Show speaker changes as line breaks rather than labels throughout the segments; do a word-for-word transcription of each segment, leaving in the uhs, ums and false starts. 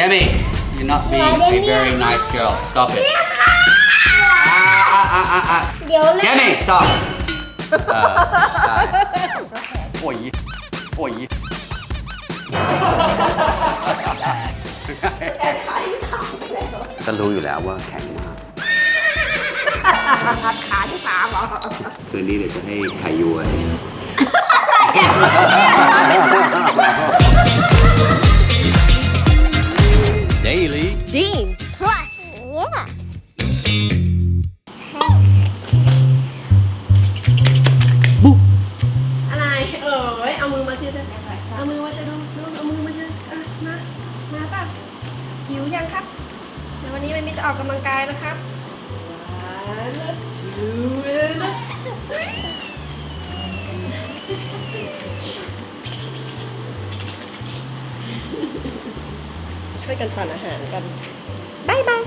Demi you're not being a very nice girl stop it อ่ะอ่ะอ่ะอ่ะ
เดี๋ยวเลย
Demi stop เออใช่โอ้ยโอ้ย ก็รู้อยู่แล้วว่าแข็งมาก
ขาที่สามเหรอ
คืนนี้เดี๋ยวจะให้ไข่ยัว Daily
Jeans plus yeah อะไรเอ๋ยเอามือมาเช็ดเอามือมาเช็ดดูเอามือมาเช็ดอ่ะมามาป่ะหิวยังครับเดี๋ยววันนี้มันมีจะออกกำลังกายนะครับ one two and three ช่วยกันปั่นอาหารกันบายบาย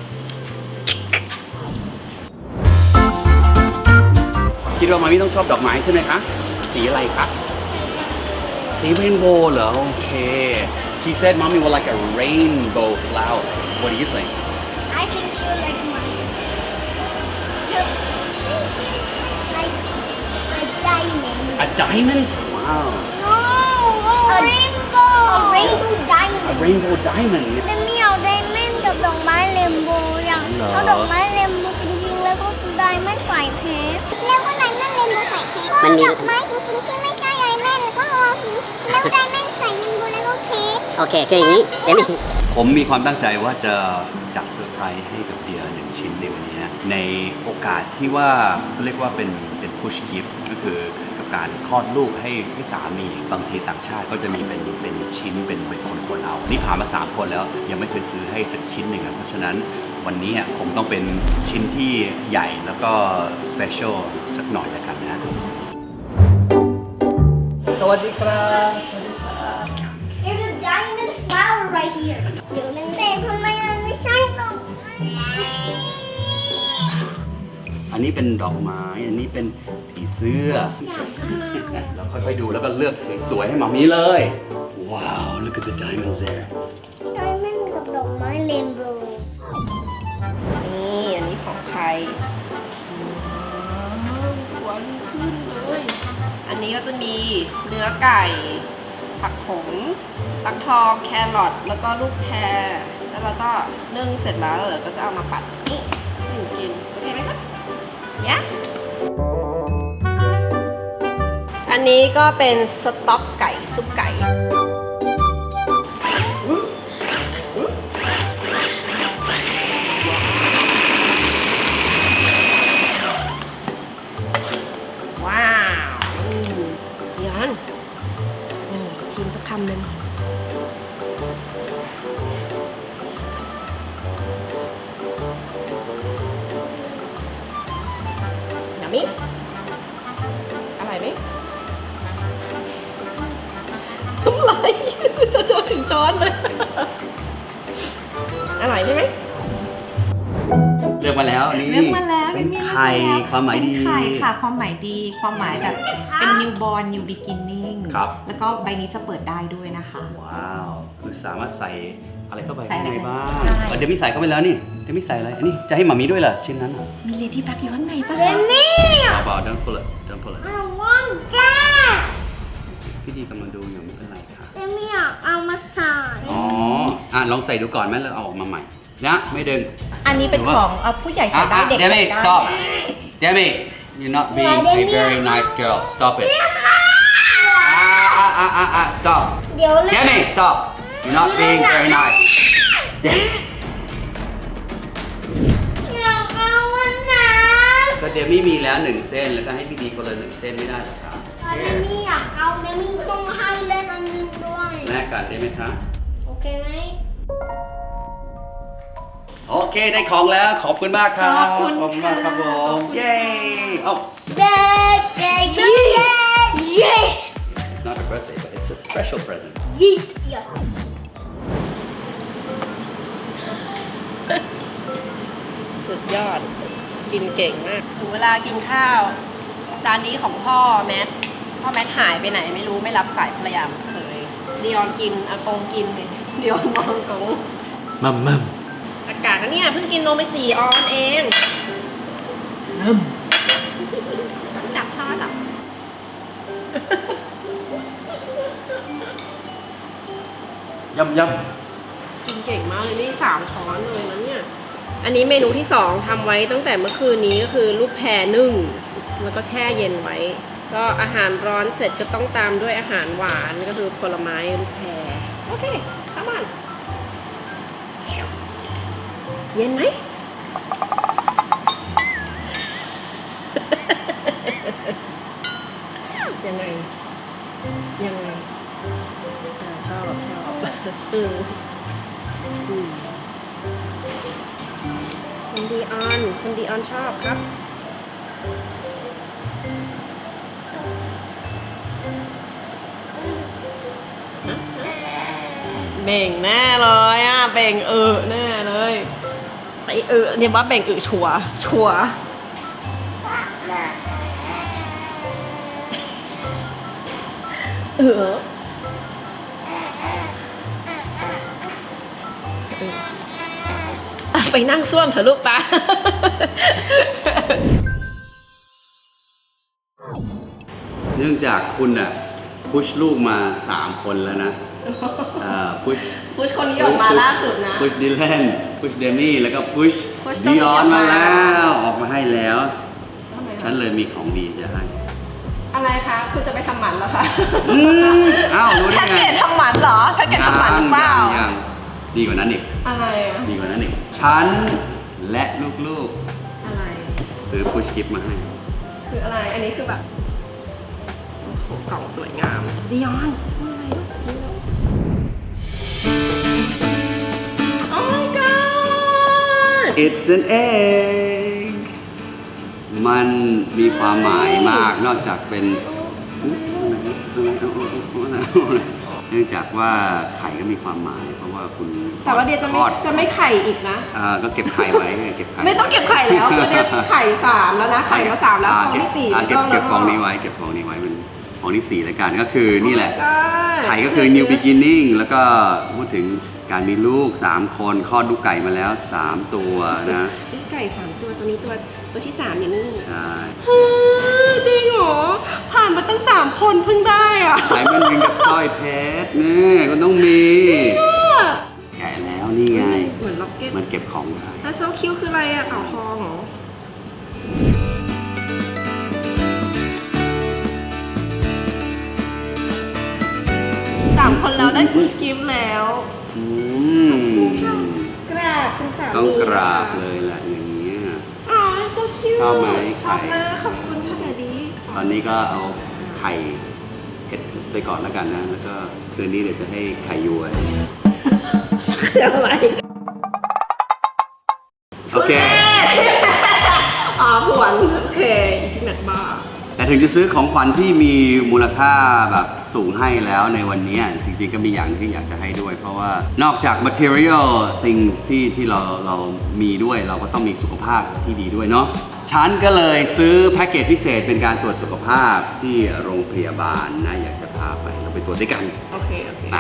คิดว่ามามี่ต้องชอบดอกไม้ใช่ไหมคะ สีอะไรคะสีเรนโบว์เหรอโอเค She said mommy would like a rainbow flower What do you think
I think she would like mine so, so like like diamond
A diamond Wow
no a rainbow a rainbow diamond
A rainbow diamond
แต่ไม่เอาไดมอนด์กับดอกไม้เรนโบว์อย่าง
เหรอ
เอาดอกไม้เรนโบว์จริงๆแล้วก็ไดมอนด์ใส่เพชรแล้วก็ไดมอนด์เรนโบว์ใส่เพชรก็ดอกไม้จริงๆที่ไม่ใช่ไดมอนด์แล้วก็เอาแล้วไดมอนด์ใส่เรนโบว์แล้วก็เพชร
โอเคคืออย่างนี้เดมี่
ผมมีความตั้งใจว่าจะจัดเซอร์ไพรส์ให้กับเดียหนึ่งชิ้นในวันนี้นะในโอกาสที่ว่าเขาเรียกว่าเป็นเป็น push gift ก็คือกับการคลอดลูกให้ให้สามีบางทีต่างชาติก็จะมีเป็นเป็นชิ้นเป็นเป็นคนคนเอานี่ผ่านมาสามคนแล้วยังไม่เคยซื้อให้สักชิ้นหนึ่งอะเพราะฉะนั้นวันนี้คงต้องเป็นชิ้นที่ใหญ่แล้วก็ special สักหน่อยแล้วกันนะสวัสดีครับ
There's a diamond flower right here เดี๋ยวนั่นแต่ทำไมมันไม่ใช่ดอกไม้
อันนี้เป็นดอกไม้ อันนี้เป็นผีเสื้อ เราค่อยๆดูแล้วก็เลือกสวยๆให้หมามีเลย ว้าว look at the diamonds there
ไดมอนด์กับดอกไม้เรนโบว์นี่อันนี้ของใครหวานขึ้นเลย อันนี้ก็จะมีเนื้อไก่ ผักขมฟักทอง แครอท แล้วก็ลูกแพร แล้วเราก็นึ่งเสร็จแล้วเราก็จะเอามาปัดนี่ให้หนูกิน โอเคไหมคะยะอันนี้ก็เป็นสต๊อกไก่ซุปไก่ว้าวนี่ยันนี่ชิมสักคำหนึ่งยามิอร่อยไหมน้ำลายจะจนถึงช้อนเลย อร่อยใช่ไหม
เลือกมาแล้วนี่
เลือกมาแล้ว
เป็น
เลือกมาแล้ว
ไข่ความหมายดี
เป็นไข่ค่ะความหมายดีความหมายแบบเป็น newborn new beginning
ครับ
แล้วก็ใบนี้จะเปิดได้ด้วยนะคะ
ว้าว คือสามารถใส่อะไรเข้าไป
ใส่
ข้าง
อะไร
ในบ้าง
ใช่
เออเดี๋ยวมีใส่เข้าไปแล้วนี่เดี๋ยวมีใส่อะไร อันนี้จะให้หมามีด้วยเหรอชิ้นนั้นเหรอ
มี lady bug อยู่ข้างในปะ
เรนนี่
เบาๆ don't pull it don't pull it
I want that
พี่ดีกำลังดูอยู่ไม่เป็นไรค่ะ
แต่ไม่อยากเอามาใส่
อ๋อ อ่ะลองใส่ดูก่อนไหมแล้วเอาออกมาใหม่นะไม่ดึง
อันนี้เป็นของเอาผู้ใหญ่ใส่ได้เด็ก
เด
ใส่
มี่
ได้
stop Demi you're not being a very nice girl stop it อ่ะอ่ะอ่ะอ่ะ stop
เดี๋ยวเลย
Demi stop you're not being very nice Demi
อยากเอาวันนะ
ก็เดมี่มีแล้วหนึ่งเส้นแล้วก็ให้พี่ดีคนละหนึ่งเส้นไม่ได้หรอครับ
เดมี่อยากเอาเดมี่ต้องให้เล่นอันนึงด้วย
แลกกันได้ไหมคะ
โอเคไหม
โอเคได้ของแล้วขอบคุณมากครับ
ขอบคุณ
ขอบคุณมากครับผ
ค่ะขอบ
ม
คุณ
เย้เอ้า
เด็กเด็กเย้เย้
It's not a birthday but it's a special present
ยี่yes สุดยอด กินเก่งมาก ถึงเวลากินข้าว จานนี้ของพ่อแมท พ่อแมทหายไปไหนไม่รู้ไม่รับสายภรรยาเคยดิออนกินอากงกินดิออนมองอากง
มัมมัม
อากาศนะเนี่ยเพิ่งกินนมไปสี่ออนเอง
มัม
จับช้อนเหรอ
ยำย
กินเก่งมากเลยนี่สามช้อนเลยนะเนี่ย อันนี้เมนูที่สองทำไว้ตั้งแต่เมื่อคืนนี้ก็คือลูกแพรนึ่งแล้วก็แช่เย็นไว้ ก็อาหารร้อนเสร็จก็ต้องตามด้วยอาหารหวานก็คือผลไม้ลูกแพรโอเคเข้ามาเย็นไหม ยังไง ยังไงอ่าชอบชอบอืมอืมคุณดีออนคุณดีออนชอบครับ เบ่งแน่เลยอ่ะ เบ่งเออแน่เลยไอเออเนี่ยว่าเบ่งเออชัวร์ชัวร์เอออ่ะไปนั่งส้วมเถอะลูกปะ
ำเนื่องจากคุณอ่ะพุชลูกมาสามคนแล้วนะพุช
พุชคนนี้ออกมาล่าสุดนะ
พุชดิแลนพุชเดมี่แล้วก็พุช
Push ต้อง
ดิ
มี
อ
อ
อ
อน ก
มา
มา
แล้วออกมาให้แล้ว
ทำไมคะ
ฉันเลยมีของดีจะให้
อะไรคะ คุณจะไปทำหมันเหรอคะ
อืมอ้าวรู้ได้
แพ็ก
ไง
เกจทำหมันเหรอแพ็กเกจทำหมันหรือเปล่า
ยังยังดีกว่านั้นอีก
อะไรอ่ะ
ดีกว่านั้นอีกฉันและลูก
อะไร
ๆ ซื้อพุชกิฟต์มาให้
คืออะไร อันนี้คือแบบโอ้โหกล่องสวยงามดิออนโอ้ my god
It's an egg มันมีความหมายมากนอกจากเป็นเนื่องจากว่าไข่ก็มีความหมาย เพราะว่าคุณ
แต่ว่าเดียจะ
ท
ไม่
อด
จะไม่ไข่อีกนะ
อ่าก็เก็บไข่ไว้เก็บไข่
ไม่ต้องเก็บไข่แล้วคือเดียไข่สามแล้วนะ ไข่มาสามแล้วฟองที่สี่
อ่าเก็บ
ไม่
เก็บ
ต้
ฟองนี้ไว้เก็บฟองนี้ไว้เป็นฟองที่สี่แล้วกันก็คือนี่แหละ
ได้
ไข่ก็คือ new beginning แล้วก็พูดถึงการมีลูกสามคนคลอดลูกไก่มาแล้วสามตัวนะ
ไก่สามตัวตัวนี้ตัวตัวที่สามอยู่นี่
ใช่
จริงเหรอ ผ่านมาตั้งสามคนเพิ่งได้อ่ะ
ไข่มันเป็นกับสร้อยเพชรนี่ก็ต้องมี แกะแล้วนี่ไง
เหมือนล็อกเก็ต
มันเก็บของได้
แล้วโซคิวคืออะไรอ่ะเต่าทองเหรอ สามคนแล้วได้พุชกิฟต์แล้ว
อืม
กราบคุณสามี
ต้องกราบเลยแหละอย่างนี้ย
อ๋อโซคิว
ชอบไหม
ชอบ
ไข่
มากขอบคุณค่ะแดดดี้
ตอนนี้ก็เอาไข่เผ็ดไปก่อนแล้วกันนะ แล้วก็คืนนี้เดี๋ยวจะให้ไข่ยว
คืออะไร
โอเค
อ๋อผวนโอเค อีพินัทบ้า
แต่ถึงจะซื้อของขวัญที่มีมูลค่าแบบสูงให้แล้วในวันนี้จริงๆก็มีอย่างที่อยากจะให้ด้วย เพราะว่านอกจาก material things ที่ที่เราเรามีด้วยเราก็ต้องมีสุขภาพที่ดีด้วยเนาะฉันก็เลยซื้อแพ็กเกจพิเศษเป็นการตรวจสุขภาพที่โรงพยาบาลนะอยากจะพาไปเราไปตรวจด้วยกัน
โอเค โอเค
นะ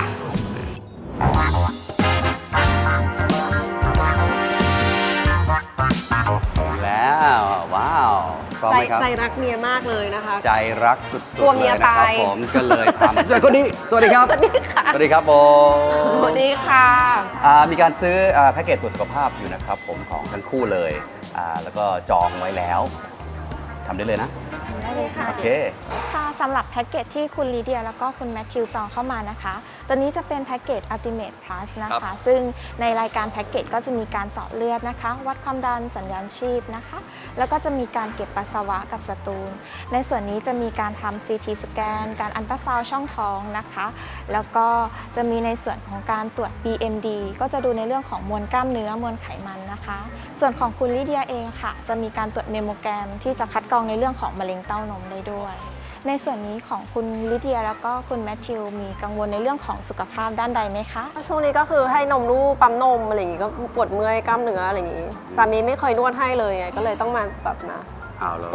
แล้วว้าวพร้อม
ใจ
ไหมครับ
ใจรักเมียมากเลยนะคะ
ใจรักสุด
กลัว
ๆ
เมี
เลย
ย
นะครับ
ตาย
ผมก็เลยทำ ด้วยคนนี้สวัสดีครับ
สวัสดีค่ะ
สวัสดีครับผม
สวัสดีค่ะ
อ่ามีการซื้ออ่าแพ็กเกจตรวจสุขภาพอยู่นะครับผมของทั้งคู่เลยอ่าแล้วก็จองไว้แล้วทำได้เลยนะ
ได้เลยค่ะ
โอเค
ค่ะสำหรับแพ็กเกจที่คุณลีเดียแล้วก็คุณแมทธิวจองเข้ามานะคะ ตัวนี้จะเป็นแพ็กเกจ Ultimate Plus นะ
ครั
คะ
บ
ซึ่งในรายการแพ็กเกจก็จะมีการเจาะเลือดนะคะ วัดความดันสัญญาณชีพนะคะ แล้วก็จะมีการเก็บปัสสาวะกับสตูล ในส่วนนี้จะมีการทำ ซี ที สแกน การอัลตราซาวด์ช่องท้องนะคะ แล้วก็จะมีในส่วนของการตรวจ บี เอ็ม ดี ก็จะดูในเรื่องของมวลกล้ามเนื้อมวลไขมันนะคะ ส่วนของคุณลิเดียเองค่ะ จะมีการตรวจเมโมแกรมที่จะคัดกรองในเรื่องของมะเร็งเต้านมได้ด้วย ในส่วนนี้ของคุณลิเดียแล้วก็คุณแมทธิวมีกังวลในเรื่องของสุขภาพด้านใดไหมคะ
ช่วงนี้ก็คือให้นมลูกปั๊มนมอะไรอย่างงี้ก็ปวดเมื่อยกล้ามเนื้ออะไรอย่างงี้ สามีไม่เคยนวดให้เลยไงก็เลยต้องมาแบบนะ
เอาแล้ว
ตรวจ
เอ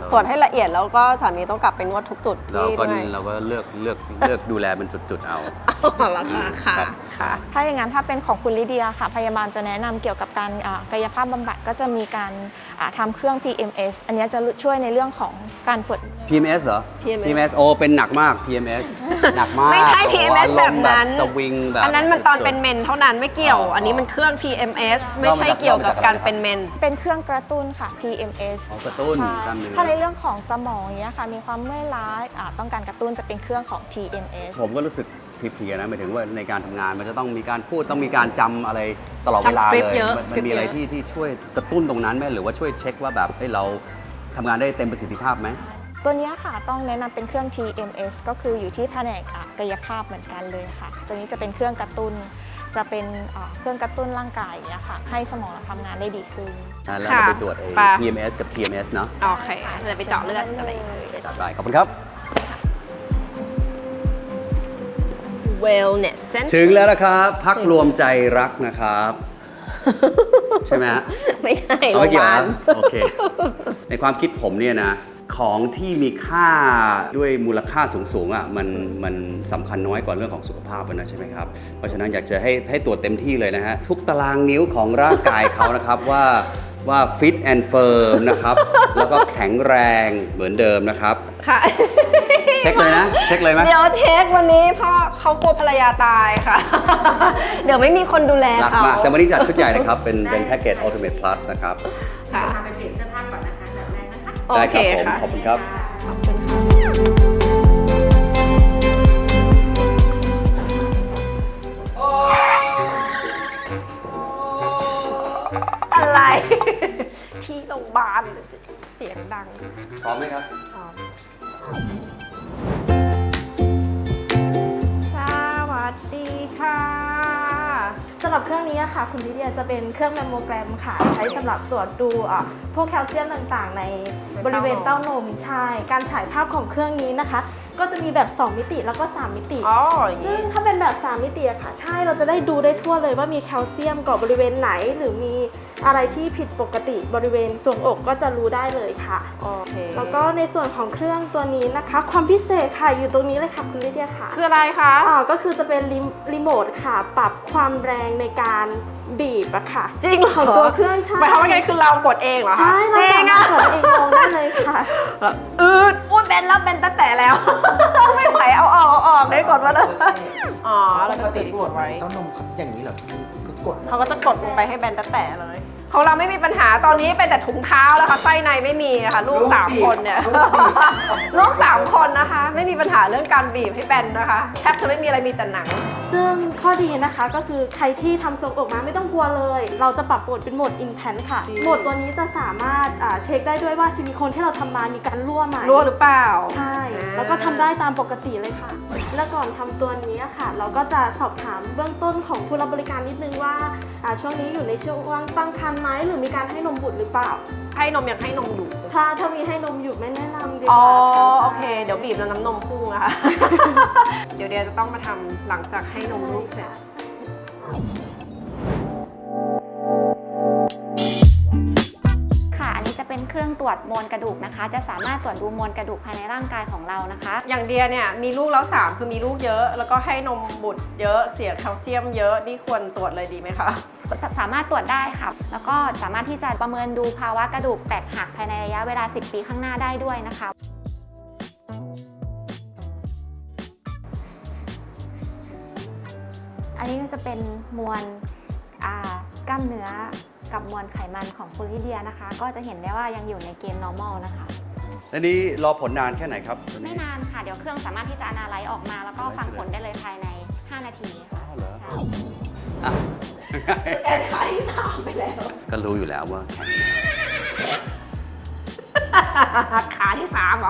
ตรวจให้ละเอียดแล้วก็สามีต้องกลับไปนวดทุกจุด
เรา
ที่
ก็
ด้วย
เราก็เลือกเลือกเลือกดูแลเป็นจุดๆเอา
อ๋อแล้วค่ะค่ะ
ครับ
ค่ะ
ถ้าอย่างนั้นถ้าเป็นของคุณลิเดียค่ะพยาบาลจะแนะนำเกี่ยวกับการอ่ากายภาพบำบัดก็จะมีการอ่าทำเครื่อง พี เอ็ม เอส อันนี้จะช่วยในเรื่องของการปวด
พี เอ็ม เอส เหรอ
พี เอ็ม เอส
พี เอ็ม เอส โอเป็นหนักมาก พี เอ็ม เอส หนักมาก
ไม่ใช่ พี เอ็ม เอส
โโห
แบบนั้น
อารมณ์สวิงแบบ
อันนั้นมันตอนเป็น
สุด
เมนเท่านั้นไม่เกี่ยว
อ๋ออั
อันนี้มันเครื่อง พี เอ็ม เอส ไม่ใช่เกี่ยวกับการเป็นเมน
เป็นเครื่องกระตุ้นค่ะ พี เอ็ม เอส
ๆอ๋อกระตุ้น
ใช่
กล้ามเนื้อ
ถ้าในเรื่องของสมองเนี้ยค่ะมีความเมื่อยล้าอ่าต้องการกระตุ้นจะเป็นเครื่องของ ที เอ็ม เอส
ผมก็รู้สึกเพลียๆนะหมายถึงว่าในการทำงานมันจะต้องมีการพูดต้องมีการจำอะไรตลอดเวลา
จำสคริปต์
เลย
เยอะ
มัน
สคริปต์
มีอะไร
เยอะ
ที่ที่ช่วยกระตุ้นตรงนั้นไหมหรือว่าช่วยเช็คว่าแบบเฮ้ยเราทำงานได้เต็มประสิทธิภาพไหม
ตัวเนี้ยค่ะต้องแนะนำเป็นเครื่อง ที เอ็ม เอส ก็คืออยู่ที่แผนกอ่ะกายภาพเหมือนกันเลยค่ะ ตัวนี้จะเป็นเครื่องกระตุ้น จะเป็นอ่าเครื่องกระตุ้นร่างกายอย่างเงี้ยค่ะ ให้สมองเราทำงานได้ดีขึ้น
อ่ะแล้ว
ค่ะ
เราไปตรวจไอ้
ไป
พี เอ็ม เอส กับ ที เอ็ม เอส เนอะ
โอเคเดี๋ยวไปเจาะเลือดอะไรอย่างเงี้ย
จัดไปขอบคุณครับ
Wellness Center
ถึงแล้วนะครับพักรวมใจรักนะครับ ใช่ไหมฮะ
ไม่ใช่โร
เอา
ง
ไม่
พ
เกี่ย
ยาว บาล
นะโอเค ในความคิดผมเนี่ยนะ ของที่มีค่าด้วยมูลค่าสูงๆอ่ะมันมันสำคัญน้อยกว่าเรื่องของสุขภาพนะใช่ไหมครับ เพราะฉะนั้นอยากจะให้ให้ตรวจเต็มที่เลยนะฮะ ทุกตารางนิ้วของร่างกายเขานะครับ ว่าว่า fit and firm นะครับ แล้วก็แข็งแรงเหมือนเดิมนะครับ
ค่ะ
เช็คเลยนะ เช็คเลยไหม
เดี๋ยวเช็ควันนี้เพราะเขากลัวภรรยาตายค่ะ เดี๋ยวไม่มีคนดูแล
รัก
เขา
มาก แต่วันนี้จัดชุดใหญ่นะครับ เป็นเป็นแพ็กเกจ Ultimate Plus นะครับ
ค่ะ
พาไปเปลี่ยนเสื้อผ้าก่อนนะคะแบบแรกนะคะ
โอ
ได้
เค
ครับผม
ค่ะ
ขอบคุณครับ
ขอบคุณค่ะอะไร ที่โรงพยาบาลเสียงดัง
พร้อมไหมครับ
อ๋อสวัสดีค่ะ
สำหรับเครื่องนี้อะค่ะคุณลิเดียจะเป็นเครื่องแมมโมแกรมค่ะ ใช้สำหรับตรวจดูอ่ะพวกแคลเซียมต่างๆ ในบริเวณเต้านมใช่การฉายภาพของเครื่องนี้นะคะ ก็จะมีแบบ สอง มิติแล้วก็ สาม มิติ
อ๋ออย่าง
ซึ่
นี้
งถ้าเป็นแบบ สาม มิติอะค่ะ ใช่เราจะได้ดูได้ทั่วเลยว่ามีแคลเซียมเกาะบริเวณไหน หรือมีอะไรที่ผิดปกติบริเวณส่วงอกก็จะรู้ได้เลยค่ะ
โอเค
แล้วก็ในส่วนของเครื่องตัวนี้นะคะ ความพิเศษค่ะอยู่ตรงนี้เลยค่ะคุณลิเดียค่ะ
คืออะไรคะ
อ่าก็คือจะเป็นรีรีโมทค่ะ ปรับความแรงในการบีบอะค่ะ
จริงเหรอ
ของตัวเครื่องใช่
หมายความว่าไงคือเรากดเองเหรอคะ
ใช่เรา
จริ
สาง มาร
อ่ะ
ถกดเองลงได้เลยค่ะ
อืดอุ้ยเบนแล้วเบนตั้งแต่แล้ว ไม่ไหวเอาออกเอาออกได้กดมาเลยอ๋อ
ป
แล้ว
ก
ก็
ติ
ติด
ก
ก
ด
ด
ไว้
ไว้
เต้านมเขาอย่างนี้เหรอพี่ก็กด
เขาก็จะกดลงไปให้แบนตั้งแต่เลย ของเราไม่มีปัญหาตอนนี้เป็นแต่ถุงเท้าแล้วค่ะไส้ในไม่มีค่ะลูกสามคนเนี่ยลูกสามคนนะคะ ไม่มีปัญหาเรื่องการบีบให้แบนนะคะแทบจะไม่มีอะไรมีแต่หนัง
ซึ่งข้อดีนะคะก็คือใครที่ทำทรงอกมาไม่ต้องกลัวเลย เราจะปรับโหมดเป็นโหมด Intense ค่ะ
ดี
โหมดตัวนี้จะสามารถอ่าเช็คได้ด้วยว่าซิลิโคนที่เราทำมามีการรั่วไหม
รั่วหรือเปล่า
ใช่ แล้วก็ทำได้ตามปกติเลยค่ะ แล้วก่อนทำตัวนี้อะค่ะ เราก็จะสอบถามเบื้องต้นของผู้รับบริการนิดนึงว่าอ่าช่วงนี้อยู่ในช่วงตั้งครรภ์ไหมหรือมีการให้นมบุตรหรือเปล่า
ให้นมยังให้นมอยู่
ถ้าถ้ามีให้นมอยู่ไม่แนะนำดีก
อ๋อ
ว่าค่ะ
โอเค เดี๋ยวบีบแล้วน้ำนมพุ่งนะคะ เดี๋ยวเดียจะต้องมาทำหลังจากให้นมลูกเสร็จ
ค่ะ อันนี้จะเป็นเครื่องตรวจมวลกระดูกนะคะ จะสามารถตรวจดูมวลกระดูกภายในร่างกายของเรานะคะ
อย่างเดียเนี่ยมีลูกแล้วสามคือมีลูกเยอะ แล้วก็ให้นมบุตรเยอะเสียแคลเซียมเยอะนี่ควรตรวจเลยดีไหมคะ
สามารถตรวจได้ค่ะ แล้วก็สามารถที่จะประเมินดูภาวะกระดูกแตกหักภายในระยะเวลา สิบ ปีข้างหน้าได้ด้วยนะคะ อันนี้ก็จะเป็นมวลอ่ากล้ามเนื้อกับมวลไขมันของคุณลิเดียนะคะ ก็จะเห็นได้ว่ายังอยู่ในเกณฑ์ normal นะคะ
อันนี้รอผลนานแค่ไหนครับตัว
ไม่
นี้
นานค่ะ เดี๋ยวเครื่องสามารถที่จะ analyze ออกมา แล้วก็ฟังผลได้เลยภายใน ห้า นาทีค่ะ
อ้าวเหรอ
ใช่
อ่ะ
แอนขาที่สามไปแล้ว
ก็รู้อยู่แล้วว่าแข็ง
ขาที่สามเหรอ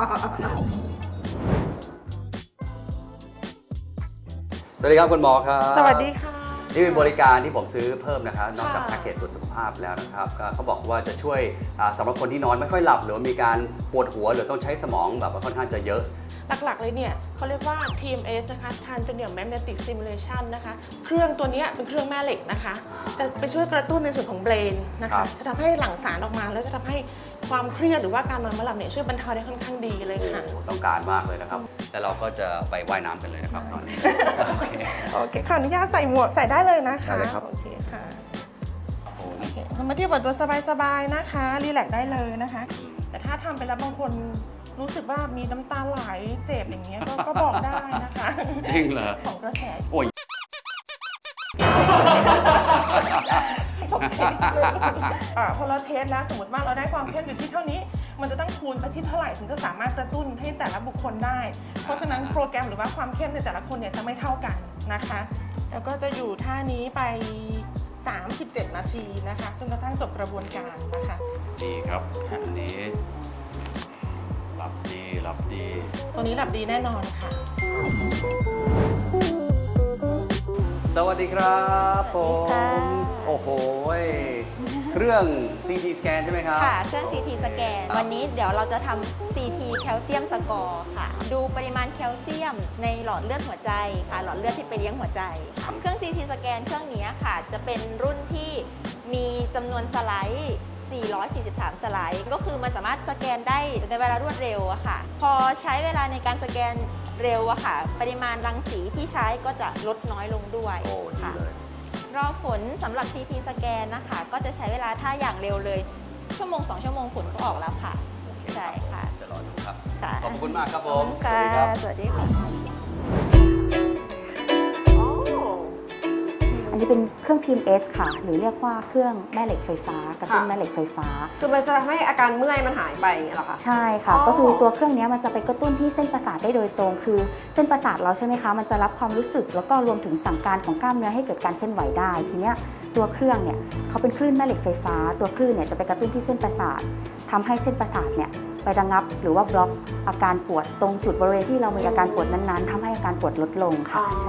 สวัสดีครับคุณหมอครับ
สวัสดีค่ะ
นี่เป็นบริการที่ผมซื้อเพิ่มนะครับนอกจากแพ็กเกจตรวจสุขภาพแล้วนะครับก็เขาบอกว่าจะช่วยอ่าสำหรับคนที่นอนไม่ค่อยหลับ หรือว่ามีการปวดหัวหรือต้องใช้สมองแบบว่าค่อนข้างจะเยอะ
หลักๆเลยเนี่ยเขาเรียกว่า ที เอ็ม เอส นะคะ Transcranial Magnetic Stimulation นะคะ เครื่องตัวเนี้ยเป็นเครื่องแม่เหล็กนะคะ จะไปช่วยกระตุ้นในส่วนของเบรนนะ
ครั
คะ
บ
จะทำให้หลั่งสารออกมา แล้วจะทำให้ความเครียดหรือว่าการนอนไม่หลับเนี่ยช่วยบรรเทาได้ค่อนข้างดีเลยค่ะ
โอ้ต้องการมากเลยนะครับ แต่เราก็จะไปว่ายน้ำกันเลยนะครับตอนนี้ โอเค
โอเคขออนุญาตใส่หมวกใส่ได้เลยนะคะ
ได้เลยครับ
โอเคค่ะ
ผม
โอเคเรามาเที่ยวแบบตัวสบายๆนะคะรีแลกซ์ได้เลยนะคะ แต่ถ้าทำไปแล้วบางคนรู้สึกว่ามีน้ำตาไหลเจ็บอย่างเงี้ยก็ก็บอกได้นะคะ
จริงเหรอ
ของกระแส
โอ้ย
ตกใจเลยอ่าพอเราเทสแล้วสมมติว่าเราได้ความเข้มอยู่ที่เท่านี้ มันจะต้องคูณไปที่เท่าไหร่ถึงจะสามารถกระตุ้นให้แต่ละบุคคลได้ เพราะฉะนั้นโปรแกรมหรือว่าความเข้มในแต่ละคนเนี่ยจะไม่เท่ากันนะคะ แล้วก็จะอยู่ท่านี้ไป สามสิบเจ็ด นาทีนะคะจนกระทั่งจบกระบวนการนะคะ
ดีครับ อันนี้หลับดีหลับดี
ตัวนี้หลับดีแน่นอนค่ะ
สวัสดีครับผม
สวัสดีค่ะ
โอ้โหยเครื่อง ซี ที สแกนใช่ไหมครับ
ค่ะ เครื่อง ซี ที สแกน วันนี้เดี๋ยวเราจะทำ ซี ที แคลเซียมสกอร์ค่ะ ดูปริมาณแคลเซียมในหลอดเลือดหัวใจค่ะ หลอดเลือดที่ไปเลี้ยงหัวใจค่ะเครื่อง ซี ที สแกนเครื่องนี้ค่ะ จะเป็นรุ่นที่มีจำนวนสไลด์สี่ร้อยสี่สิบสาม สไลด์ ก็คือมันสามารถสแกนได้ในเวลารวดเร็วอะค่ะ พอใช้เวลาในการสแกนเร็วอะค่ะ ปริมาณรังสีที่ใช้ก็จะลดน้อยลงด้วย
โอ้ดี
ค่ะ
เลย
รอผลสำหรับ ซี ที สแกนนะคะ ก็จะใช้เวลาถ้าอย่างเร็วเลย ชั่วโมง สอง ชั่วโมงผลก็ออกแล้วค่ะ ใช่ค่ะ
จะรอดูครับ
ค่ะ
ขอบคุณมากครับผ
ขอบ
ม
คุณค่ะ สวัสดีค่ะ
อันนี้เป็นเครื่อง ที เอ็ม เอส ค่ะ หรือเรียกว่าเครื่องแม่เหล็กไฟฟ้ากระตุ้นแม่เหล็กไฟฟ้า
คือมันจะทำให้อาการเมื่อยมันหายไปอย่างเงี้ยเหรอคะ
ใช่ค่ะ
อ๋อ
ก็คือตัวเครื่องนี้มันจะไปกระตุ้นที่เส้นประสาทได้โดยตรง คือเส้นประสาทเราใช่ไหมคะ มันจะรับความรู้สึกแล้วก็รวมถึงสั่งการของกล้ามเนื้อให้เกิดการเคลื่อนไหวได้ ทีเนี้ยตัวเครื่องเนี่ยเขาเป็นคลื่นแม่เหล็กไฟฟ้า ตัวคลื่นเนี่ยจะไปกระตุ้นที่เส้นประสาททำให้เส้นประสาทเนี่ยไประงับหรือว่าบล็อกอาการปวดตรงจุดบริเวณที่เรามีอาการปวดนั้นๆทำให้อาการปวดลดลงค่ะ ใช่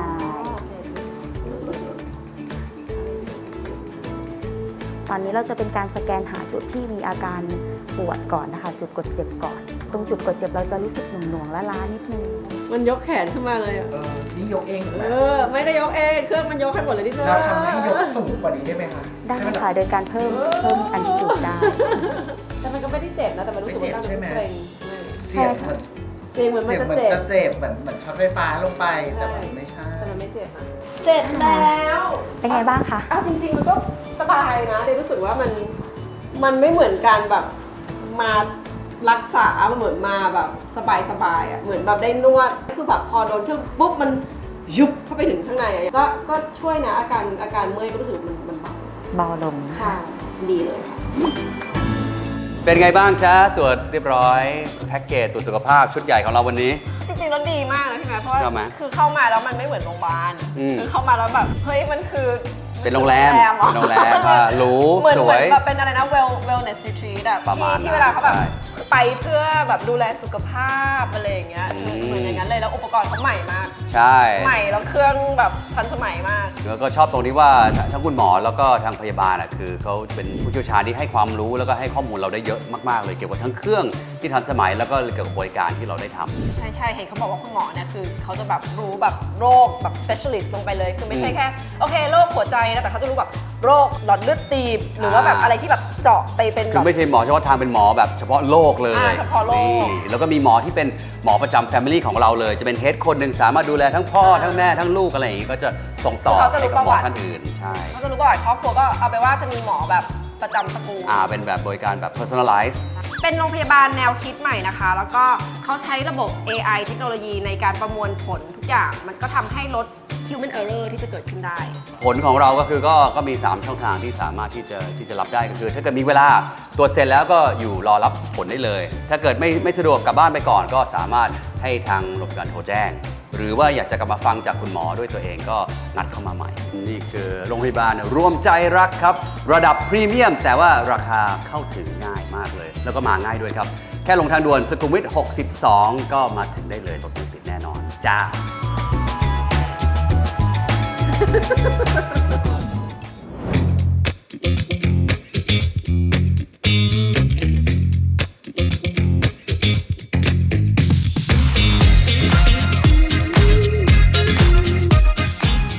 ตอนนี้เราจะเป็นการสแกนหาจุดที่มีอาการปวดก่อนนะคะ จุดกดเจ็บก่อน ตรงจุดกดเจ็บเราจะรู้สึกหน่วงๆและล้านิดนึง
มันยกแขนขึ้นมาเลยอะ
เออนี่ยกเองถูกไหม
เออ ไม่ได้ยกเองเครื่องมันยกให้หมดเลยที่เธอ
เราทำให้ยกสูงกว่านี้ได้ไหมคะ
ได้
ให้มันแบบ
ค่ะ โดยการเพิ่มเพิ่มอันติจูดได้
แต่มันก็ไม่ได้เจ็บนะแต่มันรู้สึกว่า
ไม่เจ็บใช่ไหม
เกร็ง
เสียงเหมือน
เสียงเหมือนมัน
เสียง
จะ
เหมือน
เจ็บ
จะเจ็บเหมือนเหมือนช็อตไฟฟ้าลงไป
ใช่
แต่มันไม่ใช่
แต่มันไม่เจ็บนะเสร็จแล้ว
เป็นไงบ้างคะ
เอาจริง ๆ มันก็สบายนะเดยรู้สึกว่ามันมันไม่เหมือนการแบบมารักษามันเหมือนมาแบบสบายๆอ่ะเหมือนแบบได้นวดคือแบบพอโดนเครื่องปุ๊บมันยุบเข้าไปถึงข้างในอะก็ก็ช่วยนะอาการอาการเมื่อยก็รู้สึกมันมันเบา
เบาลง
ค่ะดีเลยค่ะ
เป็นไงบ้างจ๊ะตรวจเรียบร้อยแพ็กเกจตรวจสุขภาพชุดใหญ่ของเราวันนี้
จริงๆแล้วดีมากนะพี่แม่เพราะว่า
ชอบไหม
คือเข้ามาแล้วมันไม่เหมือนโรงพยาบาล
อืม
คือเข้ามาแล้วแบบเฮ้ยมันคือ
เป็นโรงแรม
เหอ
โรงแรมอ่ะหรู
เหมือน
ส
เห
ว
มือน
ย
แบบเป็นอะไรนะ well wellness retreat อะ
ประมาณ
ที่ที่เวลาเขาแบบ
ใช่
ไปเพื่อแบบดูแลสุขภาพอะไรอย่างเงี้ย
อืม
เหมือนอย่างนั้นเลยแล้วอุปกรณ์เขาใหม่มาก
ใช่
ใหม่แล้วเครื่องแบบทันสมัยมาก
แล้วก็ชอบตรงที่ว่าทั้งคุณหมอแล้วก็ทางพยาบาลอ่ะคือเขาเป็นผู้เชี่ยวชาญที่ให้ความรู้แล้วก็ให้ข้อมูลเราได้เยอะมากๆเลยเกี่ยวกับทั้งเครื่องที่ทันสมัยแล้วก็เกี่ยวกับบริการที่เราได้ทำ
ใช่ใช่เห็นเขาบอกว่าคุณหมอเนี่ยคือเขาจะแบบรู้แบบโรคแบบ specialist ลงไปเลย คือไม่ใช่แค่โอเคโรคหัวใจนะแต่เขาจะรู้แบบโรคหลอดเลือดตีบ หรือว่าแบบอะไรที่แบบเจาะไปเป็น
คื
แบ
อบ ไม่ใช่หมอเฉพาะทางเป็นหมอแบบเฉพาะโรคเลย
อ่าเฉพาะโรค
นี่แล้วก็มีหมอที่เป็นหมอประจำ Family ของเราเลย จะเป็นเฮดคนหนึ่งสามารถดูแลทั้งพ่อทั้งแม่ทั้งลูกอะไรอย่างงี้ก็จะส่งต่อ
เขาจะรู้
ให้กับหม
ประวั
อ
ติ
ท่านอื่นใช่
เขาจะรู้ประวัติครอบครัวก็เอาไปว่าจะมีหมอแบบประจำตระกูล
อ่าเป็นแบบบริการแบบ personalize
เป็นโรงพยาบาลแนวคิดใหม่นะคะ แล้วก็เขาใช้ระบบ เอ ไอ เทคโนโลยีในการประมวลผลทุกอย่าง มันก็ทำให้ลด human error ที่จะเกิดขึ้นได้
ผลของเราก็คือก็ก็มี สาม ช่องทางที่สามารถที่จะที่จะรับได้ก็คือ ถ้าเกิดมีเวลาตรวจเสร็จแล้วก็อยู่รอรับผลได้เลย ถ้าเกิดไม่ไม่สะดวกกลับบ้านไปก่อน ก็สามารถให้ทางโรงพยาบาลโทรแจ้ง หรือว่าอยากจะกลับมาฟังจากคุณหมอด้วยตัวเองก็นัดเข้ามาใหม่ นี่คือโรงพยาบาลรวมใจรักครับ ระดับพรีเมียม แต่ว่าราคาเข้าถึงง่ายมากเลย แล้วก็มาง่ายด้วยครับ แค่ลงทางด่วนสุขุมวิทหกสิบสองก็มาถึงได้เลยรถไม่ติดแน่นอนจ้า